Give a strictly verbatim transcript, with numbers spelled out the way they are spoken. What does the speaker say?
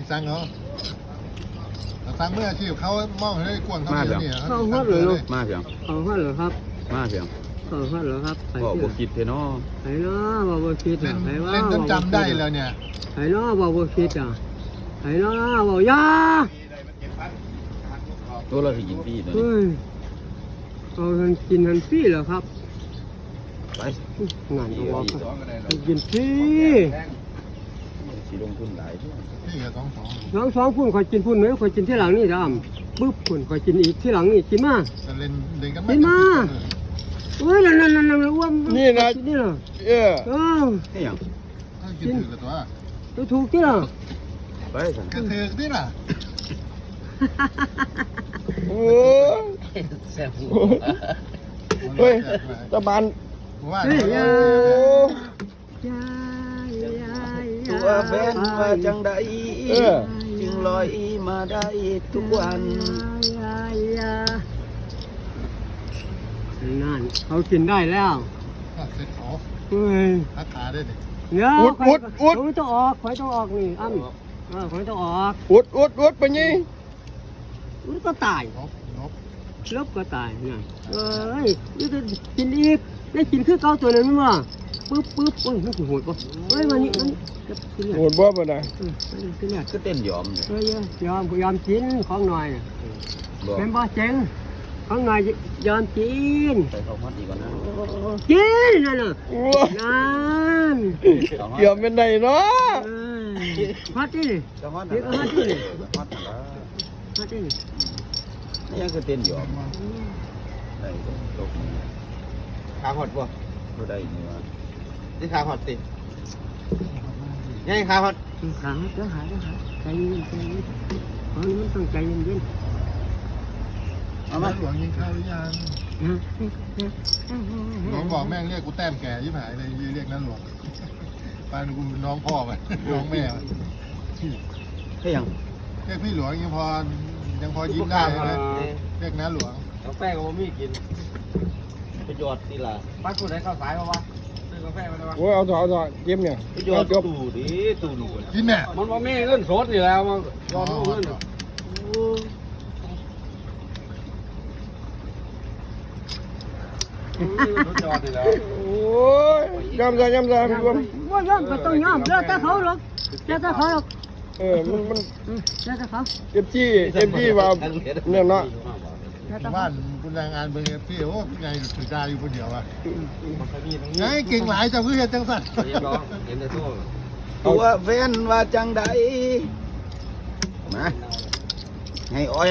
สั่งเหรอสั่งเมื่ออาชีพเขามองให้กวนเขาเนี่ยเข้าฮอดเลยลูกมาเพียงเข้าฮอดเหรอครับมาเพียงเข้าฮอดเหรอครับไปบอกเที่ยบ่คิดเทเนาะไปเนาะบ่บ่คิดเล่อ่ะนไปว่าเล่นจนจำได้แล้วเนี่ยไปเนาะบ่บ่คิดอ่ะไปเนาะบ่ยาตัวเราสิกินพี่ตัวนี้เฮ้ยเอาทันกินทันพี่เหรอครับไปงานตัวกินพี่สิลงทุนหลายทั่วพี่กับสองสองน้องสองพุ่นคอยกินพุ่นไหมคอยกินที่หลังนี่ดำปึ๊บพุ่นคอยกินอีกที่หลังนี่กินมาจะเล่นเล่นกันกินมาเฮ้ยนั่นนั่นนั่นนั่นอ้วนนี่นะนี่นะเออเออนี่หยังกินถือกับตัวตัวถูกที่ละไปสั่นกระเทือกนี่น่ะโอ้เฮ้ยตะบานว่าเฮ้ยยาโอ้ยายาตัวแฟนว่าจังใดเออจึงลอยมาได้ทุกวันยายานั่นเขากินได้แล้วเสร็จขอเฮ้ยทักขาได้ดิเดี๋ยวอุดอุดอุดข่อยต้องออกข่อยต้องออกนี่อ้ำเออข่อยต้องออกอุดอุดอุดไปนี่มันก็ตายนบนบลบก็ตายนี่เอ้ยนี่จะกินอีกได้กินคือเก่าตัวนั้นมั้งปึ๊บปึ๊บโอ้ยมันสิโหดป่ะเฮ้ยมานี่มันจะกินเนี่ยโหดบ่บ่ได้เออกินเนี่ยก็เต้นยอมเลยเฮ้ยยอมยอมกินของหน่อยน่ะบอกเป็นบ่เจ๋งของหน่อยยอมกินไปเข้าฮอดอีกก่อนนะกินนั่นน่ะโอ้นั่นเข้าฮอดเกี่ยวเป็นไดเนาะเอ้ยฮอตดิเข้าฮอดเดี๋ยวก็ฮอดดิฮอดแล้วฮอตดินี่ยังคือเต้นยอมได้ตกขาหดบ่บ่ได้นี่ว่านี่ขาหดติยังขาหดขาเจ้าหาเจ้าหาใจเย็นใจเย็นเพราะมันต้องใจเย็นเย็นเอามาหลวงยิงข้าวหรือยังนะน้องบอกแม่งเรียกกูแต้มแก่ยิ่งหายเลยเรียกนั้นหลวงปานกูน้องพ่อไปน้องแม่เฮ้ยยังเรียกพี่หลวงยังพอยังพอยิ้มได้เลยเรียกน้าหลวงกาแฟก็บ่มีกินประโยชน์สิล่ะบ้านกูได้ข้าวสายป่าวะซื้อกาแฟมาได้ปะโอ้ยเอาเถอะเอาเถอะเก็บเนี่ยประโยชเอาน์จบตู้ดิตู้ดูกินแม่มันบ่มีเงินสดนี่แล้วมันรอเงินรถจอดนี่แล้วโอ้ยยำซะยำซะพี่บอมว่ายอมก็ต้องยอมเลิกแต่เขาหรอกเลิกแต่เขาหรอกเออมันมันเลิกแต่เขาเก็บจี้เก็บจี้ว่าเนี่ยเนาะเลิกแต่เขาบ้านคุณแรงงานเบอร์พี่โอ้ไงถือดาอยู่คนเดียวอ่ะมันเคยมีตรงไงนี้เก่งหลายจะเพื่อเห็นจังสันเห็นบ่เห็นแต่ตู้ตัวแฟนว่าจังใดมาให้อ้อย